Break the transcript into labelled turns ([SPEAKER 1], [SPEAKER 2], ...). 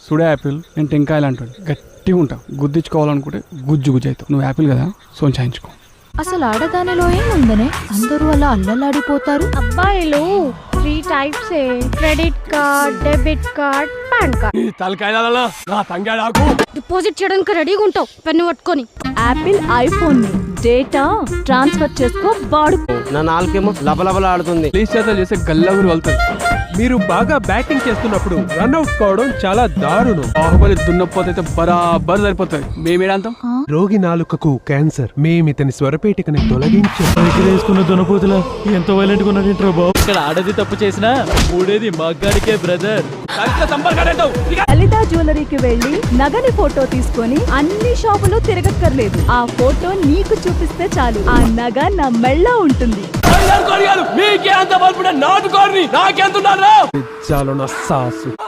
[SPEAKER 1] సుడే Apple, నేను టెంకాయలు అంటాడు. గట్టిగా ఉంటా, గుద్దించుకోవాలనుకుంటే గుజ్జు గుజ్జు అవుతావు. నువ్వు యాపిల్ కదా, సోంచాయించుకో.
[SPEAKER 2] అసలు ఆడదానిలో ఏముందనే అందరూ అలా అల్లలాడిపోతారు.
[SPEAKER 3] అబ్బాయిలు 3 types credit card, debit card, PAN card. Deposit చేయడానికి రెడీగా ఉంటావు పెన్ను పట్టుకొని.
[SPEAKER 2] యాపిల్ ఐఫోన్ ని డేటా ట్రాన్స్ఫర్ చేసుకో వాడుకో.
[SPEAKER 4] నా నాలుకేమో లబలబల ఆడుతుంది.
[SPEAKER 1] ప్లీజ్ చేతలు చేస్తే గల్లగురు వెళ్తారు.
[SPEAKER 5] మీరు బాగా బ్యాటింగ్ చేస్తున్నప్పుడు రన్అట్ కావడం చాలా దారుణం.
[SPEAKER 1] బాహుబలి దున్నపోతే బరాబర్ సరిపోతుంది. మేమేడంతాం
[SPEAKER 5] రోగి నాలుకకు క్యాన్సర్. మేమితని స్వరపేటికని తొలగించాం.
[SPEAKER 6] దునపోతుల ఎంత వైలెంట్ గా ఉన్నాడు బాబు. ఇక్కడ ఆడది తప్పు చేసినా మూడేది మగ్గాడికే బ్రదర్.
[SPEAKER 2] లలిత జ్యువెలరీకి వెళ్లి నగని ఫోటో తీసుకొని అన్ని షాపులు తిరగక్కర్లేదు. ఆ ఫోటో నీకు చూపిస్తే చాలు, ఆ నగ నా మెళ్ళ ఉంటుంది.
[SPEAKER 5] చాలు నా సాసు.